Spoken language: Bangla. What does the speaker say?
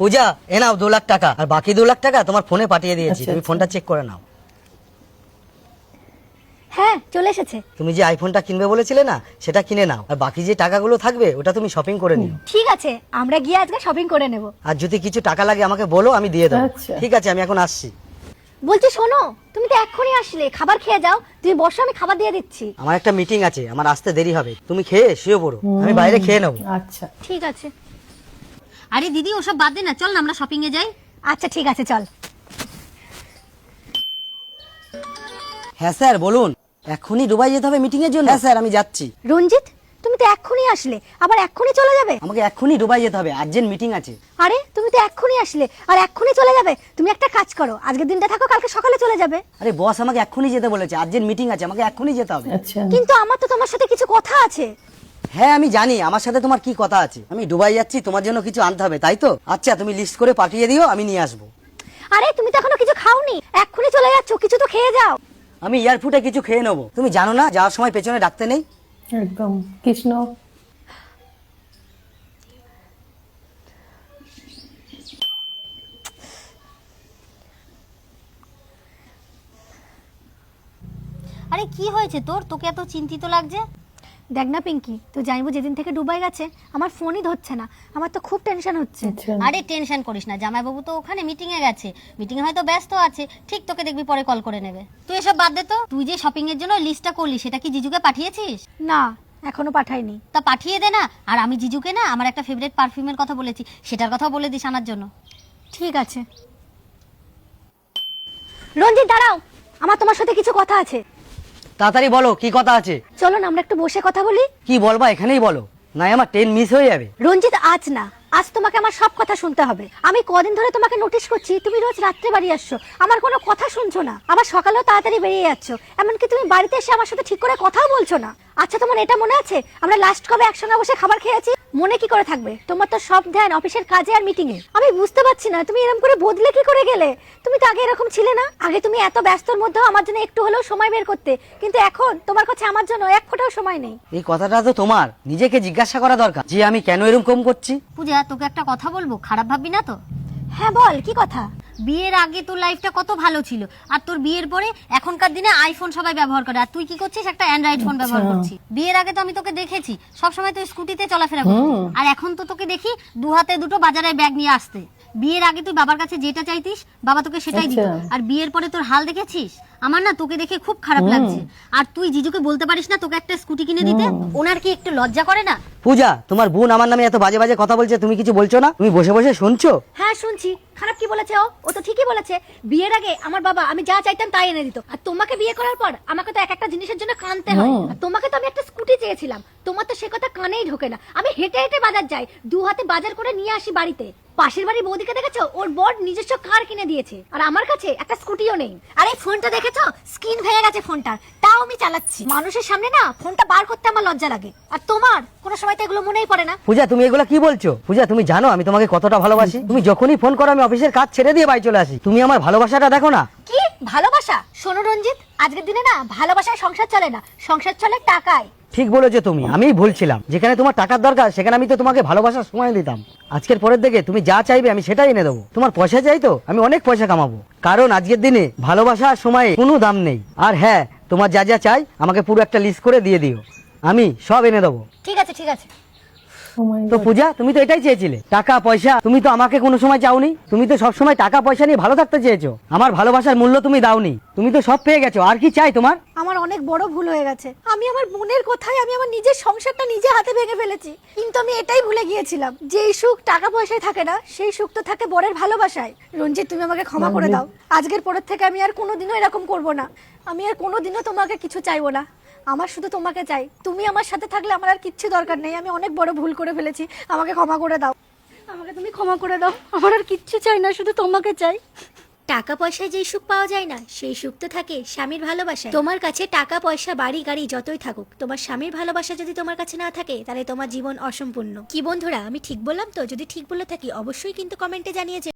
পূজা এ নাও 2 লাখ টাকা, আর বাকি 2 লাখ টাকা তোমার ফোনে পাঠিয়ে দিয়েছি, তুমি ফোনটা চেক করে নাও। হ্যাঁ চলে এসেছে। তুমি যে আইফোনটা কিনবে বলেছিলে না, সেটা কিনে নাও, আর বাকি যে টাকাগুলো থাকবে ওটা তুমি শপিং করে নিও। ঠিক আছে, আমরা গিয়ে আজকে শপিং করে নেব। আর যদি কিছু টাকা লাগে আমাকে বলো, আমি দিয়ে দেবো। আচ্ছা। ঠিক আছে, আমি এখন আসছি। বলছি শোনো, তুমি তো এক্ষুনি আসলে, খাবার খেয়ে যাও। তুমি বসো, আমি খাবার দিয়ে দিচ্ছি। আমার একটা মিটিং আছে, আমার আসতে দেরি হবে, তুমি খেয়ে শুয়ে পড়ো, আমি বাইরে খেয়ে নেবো। আচ্ছা ঠিক আছে। আরে দিদি ওসব বাদ দে না, চল না আমরা শপিং এ যাই। আচ্ছা ঠিক আছে, চল। হ্যাঁ স্যার বলুন, এখনই দুবাই যেতে হবে মিটিং এর জন্য? হ্যাঁ স্যার, আমি যাচ্ছি। রঞ্জিত, তুমি তো এক্ষুনি আসলে, আবার এক্ষুনি চলে যাবে? আমাকে এখনই দুবাই যেতে হবে, আর্জেন্ট মিটিং আছে। আরে তুমি তো এক্ষুনি আসলে আর এক্ষুনি চলে যাবে? তুমি একটা কাজ করো, আজকের দিনটা থাকো, কালকে সকালে চলে যাবে। আরে বস আমাকে এখনই যেতে বলেছে, আর্জেন্ট মিটিং আছে, আমাকে এখনই যেতে হবে। আচ্ছা কিন্তু আমার তো তোমার সাথে কিছু কথা আছে। হ্যাঁ আমি জানি, আমার সাথে তোমার কি কথা আছে। আমি দুবাই যাচ্ছি, তোমার জন্য কিছু আনতে হবে, তাই তো? আচ্ছা তুমি লিস্ট করে পাঠিয়ে দিও, আমি নিয়ে আসবো। আরে তুমি তো এখনো কিছু খাওনি, এক্ষুনি চলে যাচ্ছ, কিছু তো খেয়ে যাও। আমি এয়ারপোর্টে কিছু খেয়ে নেবো, তুমি জানো না যাওয়ার সময় পেছনে ডাকতে নেই? একদম কৃষ্ণ। আরে কি হয়েছে তোর, তোকে এত চিন্তিত লাগছে? দেখ না পিঙ্কি, তো জানবো যেদিন থেকে দুবাই গেছে আমার ফোনই ধরছে না, আমার তো খুব টেনশন হচ্ছে। আচ্ছা আরে টেনশন করিস না, জামাইবাবু তো ওখানে মিটিং এ গেছে, মিটিং এ হয়তো ব্যস্ত আছে, ঠিক তোকে দেখবি পরে কল করে নেবে। তুই এসব বাদ দে তো, তুই যে শপিং এর জন্য লিস্টটা করলি সেটা কি জিজুকে পাঠিয়েছিস? না, এখনো পাঠাইনি। তা পাঠিয়ে দে না। আর আমি জিজুকে না আমার একটা ফেভারিট পারফিউমের কথা বলেছি, সেটার কথাও বলে দিস আনার জন্য। ঠিক আছে। রঞ্জিত দাঁড়াও, আমার তোমার সাথে কিছু কথা আছে। তাড়াতাড়ি বলো, কি কথা আছে? চলো না আমরা একটু বসে কথা বলি। কি বলবা এখানেই বলো, না আমার ট্রেন মিস হয়ে যাবে। রঞ্জিত আজ না, আজ তোমাকে আমার সব কথা শুনতে হবে। আমি কদিন ধরে তোমাকে নোটিশ করছি, তুমি রোজ রাত্রে বাড়ি আসছো, আমার কোনো কথা শুনছো না, আবার সকালেও তাড়াতাড়ি বেরিয়ে যাচ্ছ, এমনকি তুমি বাড়িতে এসে আমার সাথে ঠিক করে কথাও বলছো না। আচ্ছা তোমার এটা মনে আছে আমরা লাস্ট কবে একসঙ্গে বসে খাবার খেয়েছি? মনে কি করে থাকবে? তোমার তো সব ধ্যান অফিসের কাজে আর মিটিং এ। আমি বুঝতে পারছি না তুমি এরকম করে বদলে কি করে গেলে। তুমি তো আগে এরকম ছিলে না, আগে তুমি এত ব্যস্তর মধ্যেও আমার জন্য একটু হলেও সময় বের করতে, কিন্তু এখন তোমার কাছে আমার জন্য এক ফোঁটাও সময় নেই। এই কথাটা তো তোমার নিজেকে জিজ্ঞাসা করা দরকার, যে আমি কেন এরকম করছি। পূজা তোকে একটা কথা বলবো, খারাপ ভাববি না তো? হ্যাঁ বল, কি কথা? বিয়ের আগে তোর লাইফটা কত ভালো ছিল, আর তোর বিয়ের পরে এখনকার দিনে আইফোন সবাই ব্যবহার করে, আর তুই কি করছিস? একটা অ্যান্ড্রয়েড ফোন ব্যবহার করছিস। বিয়ের আগে তো আমি তোকে দেখেছি সবসময় তুই স্কুটিতে চলাফেরা করতিস, আর এখন তো তোকে দেখি 2 হাতে 2টো বাজারে ব্যাগ নিয়ে আসতে। বিয়ের আগে তুই বাবার কাছে যেটা চাইতিস বাবা তোকে সেটাই দিত, আর বিয়ের পরে তোর হাল দেখেছিস। আমার না তোকে দেখে খুব খারাপ লাগছে। আর তুই জিজুকে বলতে পারিস না তোকে একটা স্কুটি কিনে দিতে? ওনার কি একটু লজ্জা করে না? পূজা, তোমার বোন আমার নামে এত বাজে বাজে কথা বলছে, তুমি কিছু বলছো না? তুমি বসে বসে শুনছো? হ্যাঁ শুনছি। খারাপ কি বলেছে ও? ও তো ঠিকই বলেছে। বিয়ের আগে আমার বাবা আমি যা চাইতাম তাই এনে দিত, আর তোমাকে বিয়ে করার পর আমাকে তো এক একটা জিনিসের জন্য কানতে হয়। আর তোমাকে তো আমি একটা স্কুটি চেয়েছিলাম, তোমার তো সে কথা কানেই ঢোকে না। আমি হেঁটে হেঁটে বাজার যাই, 2 হাতে বাজার করে নিয়ে আসি বাড়িতে। পাশের বাড়ির বৌদিকে দেখেছো, ওর বর নিজস্ব কার কিনে দিয়েছে, আর আমার কাছে একটা স্কুটিও নেই। আর এই ফোনটা দেখেছো, স্ক্রিন ভেঙে গেছে ফোনটার, তাও আমি চালাচ্ছি। মানুষের সামনে না ফোনটা বার করতে আমার লজ্জা লাগে, আর তোমার কোনো সময় তো এগুলো মনেই পড়ে না। পূজা তুমি এগুলো কি বলছো? পূজা তুমি জানো আমি তোমাকে কতটা ভালোবাসি? তুমি যখনই ফোন করো আমি অফিসের কাজ ছেড়ে দিয়ে বাড়ি চলে আসি। তুমি আমার ভালোবাসাটা দেখো না। কি ভালোবাসা? শোনো রঞ্জিত, আজকের দিনে না ভালোবাসায় সংসার চলে না, সংসার চলে টাকায়। ঠিক বলেছো তুমি, আমিই ভুলছিলাম। যেখানে তোমার টাকার দরকার সেখানে আমি তো তোমাকে ভালোবাসার সময় দিতাম। আজকের পরের দিকে তুমি যা চাইবে আমি সেটাই এনে দেবো। তোমার পয়সা চাই তো আমি অনেক পয়সা কামাবো, কারণ আজকের দিনে ভালোবাসার সময়ে কোনো দাম নেই। আর হ্যাঁ, তোমার যা যা চাই আমাকে পুরো একটা লিস্ট করে দিয়ে দিও, আমি সব এনে দেবো। ঠিক আছে ঠিক আছে। তো পূজা, তুমি তো এটাই চেয়েছিলে, টাকা পয়সা। তুমি তো আমাকে কোনো সময় চাওনি, তুমি তো সব সময় টাকা পয়সা নিয়ে ভালো থাকতে চেয়েছো। আমার ভালোবাসার মূল্য তুমি দাওনি, তুমি তো সব পেয়ে গেছো, আর কি চাই তোমার? আমার অনেক বড় ভুল হয়ে গেছে। আমি আমার বোনের কথায় আমি আমার নিজের সংসারটা নিজে হাতে ভেঙে ফেলেছি। কিন্তু আমি এটাই ভুলে গিয়েছিলাম যে এই সুখ টাকা পয়সায় থাকে না, সেই সুখ তো থাকে বরের ভালোবাসায়। রঞ্জিত তুমি আমাকে ক্ষমা করে দাও, আজকের পরের থেকে আমি আর কোনোদিনও এরকম করব না। আমি আর কোনোদিনও তোমাকে কিছু চাইবো না, আমার শুধু তোমাকে চাই। তুমি আমার সাথে থাকলে আমার আর কিচ্ছু দরকার নেই। আমি অনেক বড় ভুল করে ফেলেছি, আমাকে ক্ষমা করে দাও। আমাকে তুমি ক্ষমা করে দাও, আমার আর কিচ্ছু চাই না, শুধু তোমাকে চাই। টাকা পয়সায় যেই সুখ পাওয়া যায় না, সেই সুখ তো থাকে স্বামীর ভালোবাসায়। তোমার কাছে টাকা পয়সা বাড়ি গাড়ি যতই থাকুক, তোমার স্বামীর ভালোবাসা যদি তোমার কাছে না থাকে তাহলে তোমার জীবন অসম্পূর্ণ। কি বন্ধুরা, আমি ঠিক বললাম তো? যদি ঠিক বলে থাকি অবশ্যই কিন্তু কমেন্টে জানিয়ে